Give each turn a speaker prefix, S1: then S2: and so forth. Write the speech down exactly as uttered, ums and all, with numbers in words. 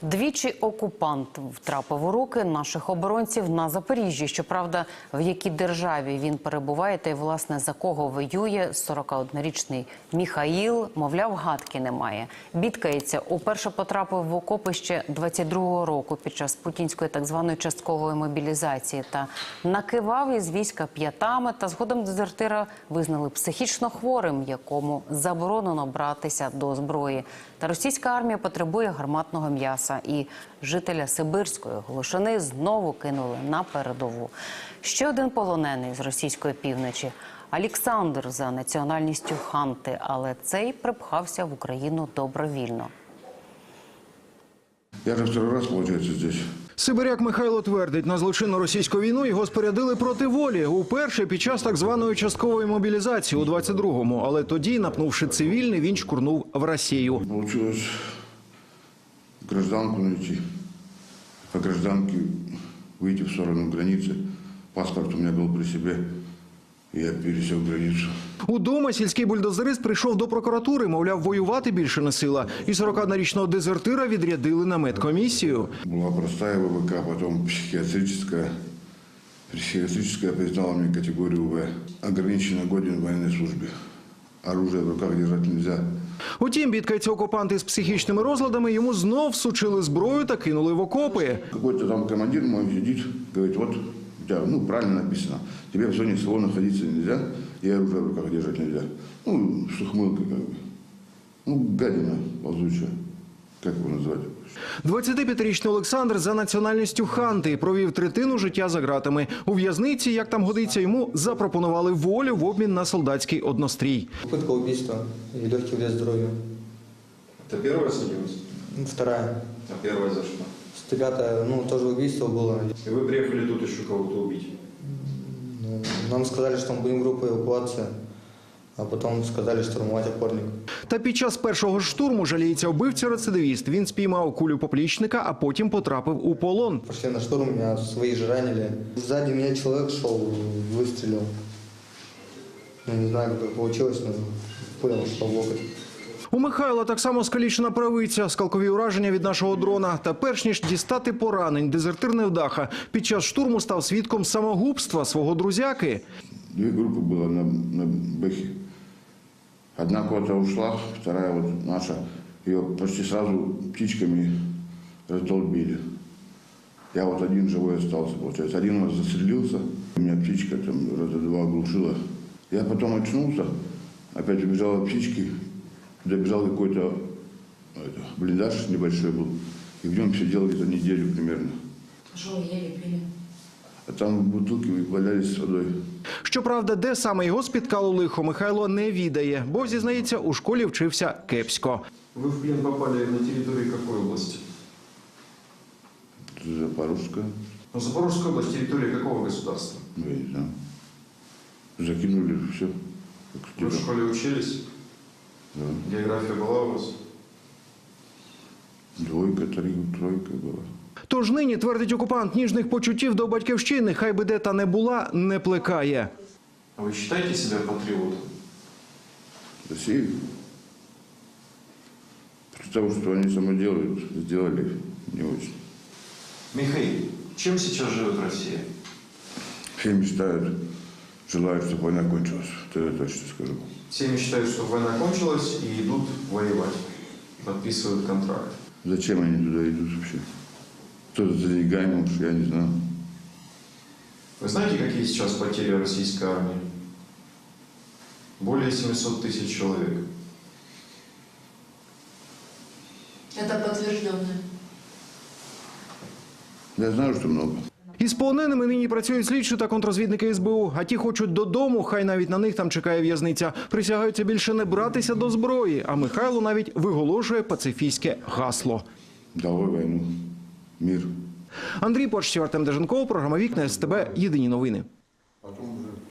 S1: Двічі окупант втрапив у руки наших оборонців на Запоріжжі. Щоправда, в якій державі він перебуває та й, власне, за кого воює сорокаоднорічний Міхаїл, мовляв, гадки немає. Бідкається, уперше потрапив в окопи ще двадцять другого року під час путінської так званої часткової мобілізації та накивав із війська п'ятами, та згодом дезертира визнали психічно хворим, якому заборонено братися до зброї. Та російська армія потребує гарматного м'яса. І жителя Сибирської Глушини знову кинули на передову. Ще один полонений з російської півночі – Олександр за національністю ханти, але цей припхався в Україну добровільно.
S2: Я вже второй раз, виходить, тут.
S3: Сибиряк Михайло твердить, на злочинну російську війну його спорядили проти волі. Уперше під час так званої часткової мобілізації у двадцять другому. Але тоді, напнувши цивільний, він шкурнув в Росію.
S2: Получилось гражданку найти, по гражданке выйти в сторону границы. Паспорт у меня был при себе, и я пересек границу.
S3: Удома сільський бульдозерист прийшов до прокуратури, мовляв, воювати більше не сила. І сорокаоднорічного дезертира відрядили на медкомісію.
S2: Была простая ВВК, потом психиатрическая. Психиатрическая признала мне категорию В. Ограниченно годен в военной службе. Оружие в руках держать нельзя.
S3: Утім, бідкаються окупанти з психічними розладами, йому знов всучили зброю та кинули в окопи.
S2: Какой-то там командир мой сидит, говорит, вот у тебя, ну, правильно написано, тебе в зоне СВО находиться нельзя, и оружие в руках держать нельзя. Ну, с ухмылкой как бы. Ну, гадина ползучая, как его назвать?
S3: двадцятип'ятирічний Олександр за національністю ханти провів третину життя за ґратами. У в'язниці, як там годиться, йому запропонували волю в обмін на солдатський однострій.
S4: Попытка убийства и легкий вред здоровью.
S5: Это первая судимость?
S4: Вторая.
S5: А первая за что?
S4: Пятая, ну, тоже убийство было.
S5: И вы приехали тут еще кого-то убить?
S4: Ну, нам сказали, что мы будем группой эвакуации, а потом сказали штурмовать опорник.
S3: Та під час першого ж штурму, жаліється вбивця-рецидивіст, він спіймав кулю поплічника, а потім потрапив у полон.
S4: Пошли на штурм, меня свои же ранили. Сзади меня человек шел, выстрелил. Я не знаю, как это получилось, но пуля ушла в локоть.
S3: У Михайла так само скалічена правиця, скалкові ураження від нашого дрона. Та перш ніж дістати поранень, дезертир невдаха під час штурму став свідком самогубства свого друзяки.
S2: Две группы было на, на Бэхе. Одна куда-то ушла, вторая вот наша. Ее почти сразу птичками раздолбили. Я вот один живой остался, получается. Один у нас застрелился, у меня птичка там раза два оглушила. Я потом очнулся, опять убежал от птички, добежал какой-то блиндаж небольшой был, и в нем сидел где-то неделю примерно.
S1: Що ви ели, пили?
S2: А там бутылки валялись с водой.
S3: Щоправда, де саме його спіткало лихо, Михайло не відає, бо, зізнається, у школі вчився кепсько.
S5: Вы в плен попали на территории какой области?
S2: Запорожская.
S5: Ну, Запорожская область, территория какого государства?
S2: Ну, я не знаю. Закинули все.
S5: Вы в школе учились?
S2: Да.
S5: География была у вас?
S2: Двойка, три, тройка была.
S3: Тож нині, твердить окупант, ніжних почуттів до батьківщини, хай би де та не була, не плекає.
S5: А вы считаете себя патриотом?
S2: Россию. При том, что они само делают, сделали не очень.
S5: Михаил, чем сейчас живет Россия?
S2: Все мечтают, желают, чтобы война кончилась. Это я точно скажу.
S5: Все мечтают, что война кончилась и идут воевать, подписывают контракт.
S2: Зачем они туда идут вообще? Кто-то за деньгами, уж я не знаю.
S5: Вы знаете, какие сейчас потери российской армии? Более семисот тысяч человек.
S6: Это подтвержденное.
S2: Я знаю, что много.
S3: Із полоненими нині працюють слідчі та контррозвідники ес бе у. А ті хочуть додому, хай навіть на них там чекає в'язниця. Присягаються більше не братися до зброї. А Михайло навіть виголошує пацифістське гасло.
S2: Долой войну. Мир.
S3: Андрій Почтів, Артем Деженков, програма «Вікна ес те бе», єдині новини.